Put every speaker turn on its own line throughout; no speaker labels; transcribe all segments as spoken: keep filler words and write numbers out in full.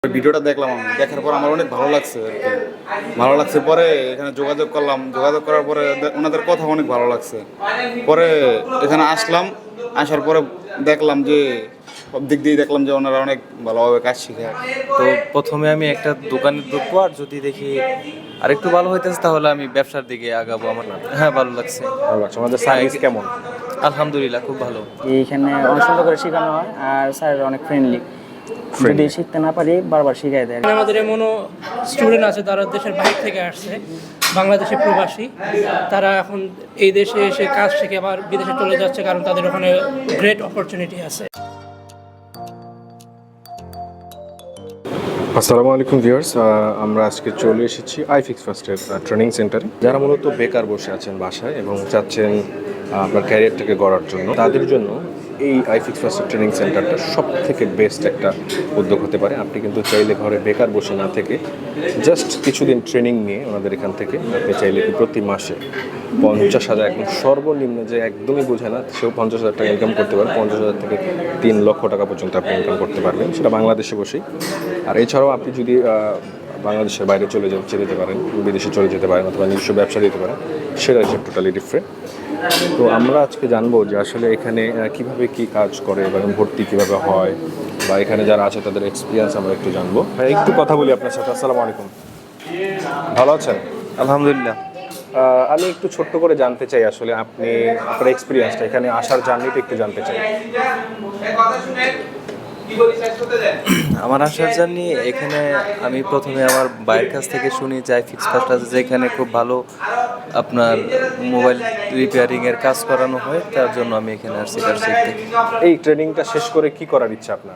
ভিডিওটা দেখলাম আমি দেখার পর আমার অনেক ভালো লাগছে আর কি ভালো লাগছে পরে এখানে যোগাযোগ করলাম যোগাযোগ করার পরে ওনাদের কথা অনেক ভালো লাগছে পরে এখানে আসলাম আসার পরে দেখলাম যে সব দিক দিয়ে দেখলাম যে ওনারা অনেক ভালোভাবে কাজ শিখায়।
তো প্রথমে আমি একটা দোকানে ঢুকবো, আর যদি দেখি আরেকটু ভালো হইতেছে তাহলে আমি ব্যবসার দিকে আগাবো। আমার হ্যাঁ ভালো লাগছে।
ভালো লাগছে। আমাদের সার্ভিস কেমন?
আলহামদুলিল্লাহ খুব ভালো।
এইখানে অনেক সুন্দর করে শেখানো হয় আর স্যার অনেক ফ্রেন্ডলি। যদি শিখতে না পারি বারবার শিখাই দেয়।
আমাদের এমনও স্টুডেন্ট আছে তারা দেশের বাইরে থেকে আসছে, বাংলাদেশি প্রবাসী, তারা এখন এই দেশে এসে কাজ শিখে আবার বিদেশে চলে যাচ্ছে, কারণ তাদের ওখানে গ্রেট অপরচুনিটি আছে।
আসসালামু আলাইকুম ভিউয়ার্স, আমরা আজকে চলে এসেছি আইফিক্স ফার্স্টের ট্রেনিং সেন্টারে। যারা মূলত বেকার বসে আছেন বাসায় এবং চাচ্ছেন আপনার ক্যারিয়ারটাকে গড়ার জন্য, তাদের জন্য এই আইফিক্স ফার্স্টের ট্রেনিং সেন্টারটা সব থেকে বেস্ট একটা উদ্যোগ হতে পারে। আপনি কিন্তু চাইলে ঘরে বেকার বসে না থেকে জাস্ট কিছুদিন ট্রেনিং নিয়ে ওনাদের এখান থেকে আপনি চাইলে কি প্রতি মাসে পঞ্চাশ হাজার একদম সর্বনিম্ন, যে একদমই বোঝে না সেও পঞ্চাশ হাজার টাকা ইনকাম করতে পারে, পঞ্চাশ হাজার থেকে তিন লক্ষ টাকা পর্যন্ত আপনি ইনকাম করতে পারবেন, সেটা বাংলাদেশে বসেই। আর এছাড়াও আপনি যদি বাংলাদেশের বাইরে চলে যেতে যেতে পারেন, বিদেশে চলে যেতে পারেন, অথবা নিজস্ব ব্যবসা দিতে পারেন, সেটা হচ্ছে টোটালি ডিফারেন্ট। তো আমরা আজকে জানবো যে আসলে এখানে কিভাবে কি কাজ করে এবং ভর্তি কিভাবে হয়, বা এখানে যারা আছে তাদের এক্সপিরিয়েন্স আমরা একটু জানবো। হ্যাঁ, একটু কথা বলি আপনার সাথে। আসসালামু আলাইকুম, ভালো আছেন?
আলহামদুলিল্লাহ।
আমি একটু ছোট্ট করে জানতে চাই আসলে আপনি আপনার এক্সপিরিয়েন্সটা, এখানে আসার জার্নিটা একটু জানতে চাই।
আমার আসার জার্নি, এখানে আমি প্রথমে আমার ভাইয়ের কাছ থেকে শুনি যে আইফিক্স ফার্স্ট আছে, যেখানে খুব ভালো আপনার মোবাইল রিপেয়ারিং এর কাজ করানো হয়, তার জন্য আমি এখানে আসছি কাজ শিখতে।
এই ট্রেনিংটা শেষ করে কি করার ইচ্ছা আপনার?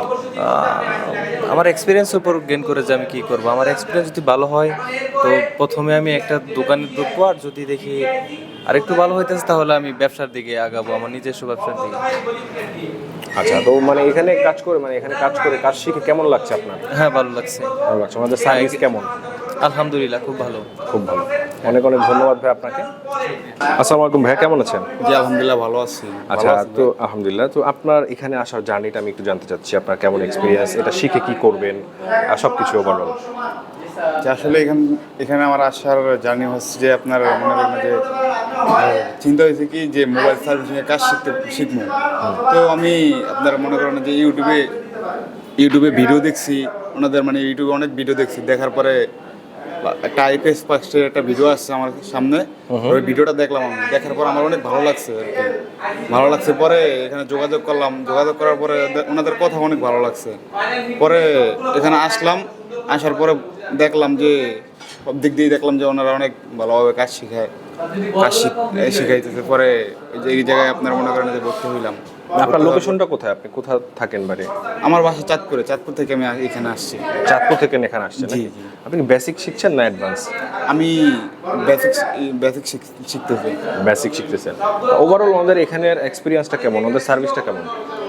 আমার এক্সপিরিয়েন্সের উপর গেইন করে যে আমি কী করবো। আমার এক্সপিরিয়েন্স যদি ভালো হয় তো প্রথমে আমি একটা দোকানে ঢুকবো, আর যদি দেখি আরেকটু ভালো হইতেছে তাহলে আমি ব্যবসার দিকে আগাবো, আমার নিজস্ব ব্যবসার দিকে।
আচ্ছা, তো মানে এখানে কাজ করে মানে এখানে কাজ করে কাজ শিখে কেমন লাগছে আপনার?
হ্যাঁ ভালো লাগছে।
ভালো লাগছে। আমাদের সার্ভিস কেমন?
আলহামদুলিল্লাহ খুব ভালো।
খুব ভালো। অনেক অনেক ধন্যবাদ ভাই আপনাকে। আসসালামু আলাইকুম ভাই, কেমন আছেন?
জি আলহামদুলিল্লাহ ভালো আছি।
আচ্ছা, তো আলহামদুলিল্লাহ। তো আপনার এখানে আসার জার্নিটা আমি একটু জানতে চাচ্ছি, আপনার কেমন এক্সপিরিয়েন্স, এটা শিখে কি করবেন, আর সব কিছু ওভারঅল।
যে আসলে এখান এখানে আমার আসার জার্নি হচ্ছে যে আপনার মনে করেন যে চিন্তা হয়েছে কি যে মোবাইল সার্ভিসিংয়ের কাজ শিখতে শিখবো। তো আমি আপনার মনে করেন যে ইউটিউবে ইউটিউবে ভিডিও দেখছি, ওনাদের মানে ইউটিউবে অনেক ভিডিও দেখছি, দেখার পরে একটা আইফিক্স ফার্স্টের একটা ভিডিও আসছে আমার সামনে, ওই ভিডিওটা দেখলাম আমি দেখার পর আমার অনেক ভালো লাগছে আর কি ভালো লাগছে পরে এখানে যোগাযোগ করলাম যোগাযোগ করার পরে ওনাদের কথা অনেক ভালো লাগছে পরে এখানে আসলাম আসার পরে দেখলাম যে সব দিক দিয়ে দেখলাম যে ওনারা অনেক ভালোভাবে কাজ শিখায় কাজ শিখাইতেছে। পরে এই জায়গায় আপনার মনে করেন যে ভর্তি হইলাম।
আপনার লোকেশনটা কোথায়? আপনি কোথা থাকেন বাড়ি?
আমার বাসা চাঁদপুরে, চাঁদপুর থেকে আমি এখানে আসছি।
চাঁদপুর থেকে এখানে আসছেন?
জি জি।
আপনি বেসিক শিখছেন না অ্যাডভান্স?
আমি বেসিক বেসিক শিখতেছি।
বেসিক শিখতেছেন। ওভারঅল ওনাদের এখানের এক্সপিরিয়েন্সটা কেমন, ওনাদের সার্ভিসটা কেমন?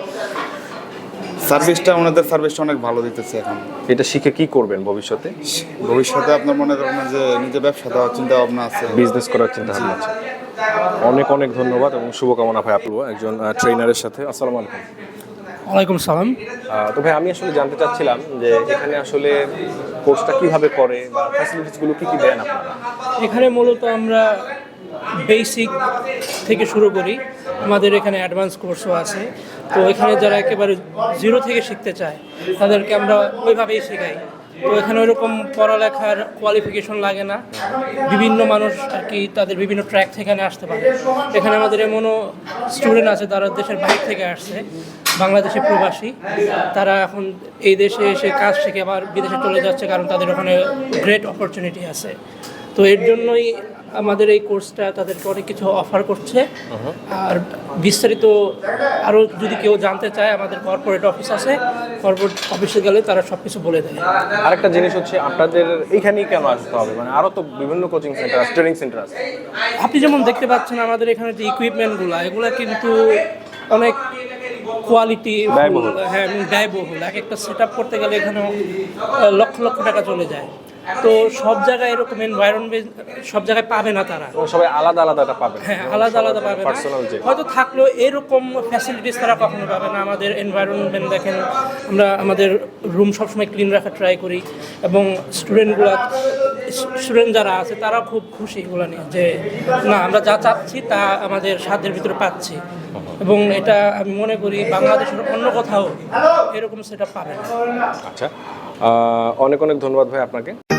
সার্ভিসটা ওনাদের সার্ভিসটা অনেক ভালো দিতেছে। এখন
এটা শিখে কি করবেন ভবিষ্যতে?
ভবিষ্যতে আপনার মনে করেন যে নিজে ব্যবসা দেওয়ার চিন্তা ভাবনা আছে,
বিজনেস করার চিন্তা ভাবনা আছে। অনেক অনেক ধন্যবাদ এবং শুভকামনা ভাই আপনি একজন ট্রেনারের সাথে। আসসালামু আলাইকুম।
ওয়ালাইকুম সালাম।
তো ভাই আমি আসলে জানতে চাচ্ছিলাম যে এখানে আসলে কোর্সটা কিভাবে করে বা ফ্যাসিলিটিসগুলো কী কী দেন আপনারা?
এখানে মূলত আমরা বেসিক থেকে শুরু করি, আমাদের এখানে অ্যাডভান্স কোর্সও আছে। তো এখানে যারা একেবারে জিরো থেকে শিখতে চায় তাদেরকে আমরা ওইভাবেই শেখাই। তো এখানে ওইরকম পড়ালেখার কোয়ালিফিকেশন লাগে না, বিভিন্ন মানুষ আর কি তাদের বিভিন্ন ট্র্যাক থেকে এখানে আসতে পারে। এখানে আমাদের এমনও স্টুডেন্ট আছে তারা দেশের বাইরে থেকে আসছে, বাংলাদেশি প্রবাসী, তারা এখন এই দেশে এসে কাজ শিখে আবার বিদেশে চলে যাচ্ছে, কারণ তাদের ওখানে গ্রেট অপরচুনিটি আছে। তো এর জন্যই আমাদের এই কোর্সটা তাদেরকে অনেক কিছু অফার করছে। আর বিস্তারিত আরও যদি কেউ জানতে চায়, আমাদের কর্পোরেট অফিস আছে, কর্পোরেট অফিসে গেলে তারা সব কিছু বলে দেয়।
আরেকটা জিনিস হচ্ছে আপনাদের এইখানেই কেন আসতে হবে, মানে আরও তো বিভিন্ন কোচিং সেন্টার আছে, ট্রেনিং সেন্টার আছে।
আপনি যেমন দেখতে পাচ্ছেন আমাদের এখানে যে ইকুইপমেন্টগুলো, এগুলো কিন্তু অনেক কোয়ালিটি,
ব্যয়বহুল।
হ্যাঁ ব্যয়বহুল। এক একটা সেট আপ করতে গেলে এখানে লক্ষ লক্ষ টাকা চলে যায়। তো সব জায়গায় এরকম এনভায়রনমেন্ট সব জায়গায় পাবে না তারা।
এবং সবাই আলাদা আলাদাটা পাবে,
হ্যাঁ, আলাদা আলাদা পাবে না,
পার্সোনাল যে
হয়তো থাকলেও এরকম ফ্যাসিলিটিস তারা কখনো পাবে না। আমাদের এনভায়রনমেন্ট দেখেন, আমরা আমাদের রুম সবসময় ক্লিন রাখার ট্রাই করি, এবং স্টুডেন্টগুলা স্টুডেন্ট যারা আছে তারা খুব খুশি এগুলো নিয়ে, যে না আমরা যা চাচ্ছি তা আমাদের সাধ্যের ভিতরে পাচ্ছি। এবং এটা আমি মনে করি বাংলাদেশের অন্য কোথাও এরকম সেটা পাবে না।
আচ্ছা, আহ, অনেক অনেক ধন্যবাদ ভাই আপনাকে।